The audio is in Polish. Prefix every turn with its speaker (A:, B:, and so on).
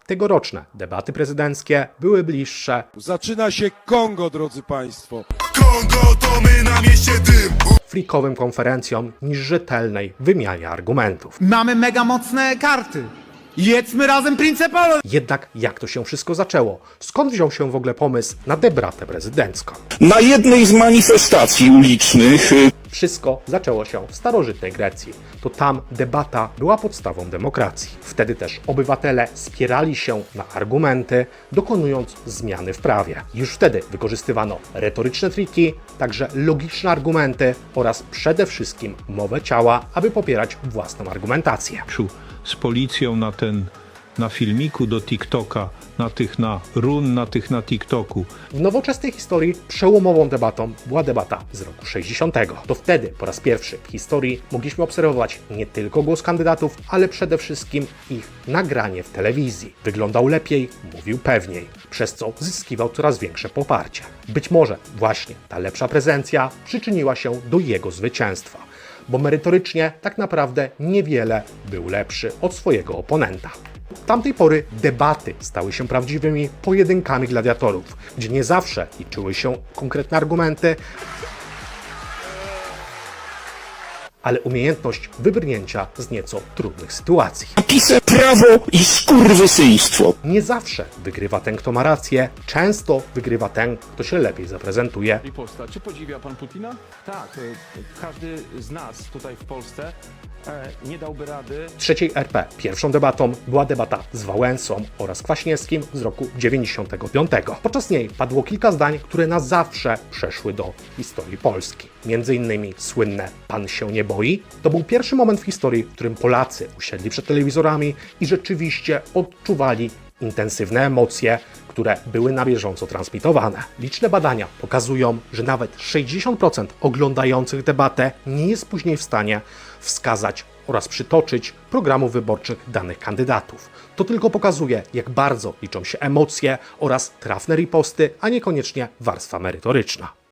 A: Tegoroczne debaty prezydenckie były bliższe
B: Zaczyna się Kongo, drodzy Państwo.
C: Kongo to my na mieście dym.
A: frikowym konferencjom niż rzetelnej wymianie argumentów.
D: Mamy mega mocne karty. Jedzmy razem Principalo!
A: Jednak jak to się wszystko zaczęło? Skąd wziął się w ogóle pomysł na debatę prezydencką?
E: Na jednej z manifestacji ulicznych
A: Wszystko zaczęło się w starożytnej Grecji. To tam debata była podstawą demokracji. Wtedy też obywatele spierali się na argumenty, dokonując zmiany w prawie. Już wtedy wykorzystywano retoryczne triki, także logiczne argumenty oraz przede wszystkim mowę ciała, aby popierać własną argumentację.
F: Z policją na filmiku do TikToka, na run, na TikToku.
A: W nowoczesnej historii przełomową debatą była debata z roku 60. To wtedy po raz pierwszy w historii mogliśmy obserwować nie tylko głos kandydatów, ale przede wszystkim ich nagranie w telewizji. Wyglądał lepiej, mówił pewniej, przez co zyskiwał coraz większe poparcie. Być może właśnie ta lepsza prezencja przyczyniła się do jego zwycięstwa, bo merytorycznie tak naprawdę niewiele był lepszy od swojego oponenta. Od tamtej pory debaty stały się prawdziwymi pojedynkami gladiatorów, gdzie nie zawsze liczyły się konkretne argumenty, ale umiejętność wybrnięcia z nieco trudnych sytuacji.
E: napisy prawo i skurwysyństwo.
A: Nie zawsze wygrywa ten, kto ma rację, często wygrywa ten, kto się lepiej zaprezentuje.
G: Riposta. Czy podziwia pan Putina?
H: Tak, każdy z nas tutaj w Polsce nie dałby rady.
A: W trzeciej RP pierwszą debatą była debata z Wałęsą oraz Kwaśniewskim z roku 95. Podczas niej padło kilka zdań, które na zawsze przeszły do historii Polski. Między innymi słynne "Pan się nie boi". To był pierwszy moment w historii, w którym Polacy usiedli przed telewizorami i rzeczywiście odczuwali intensywne emocje, które były na bieżąco transmitowane. Liczne badania pokazują, że nawet 60% oglądających debatę nie jest później w stanie wskazać oraz przytoczyć programów wyborczych danych kandydatów. To tylko pokazuje, jak bardzo liczą się emocje oraz trafne riposty, a niekoniecznie warstwa merytoryczna.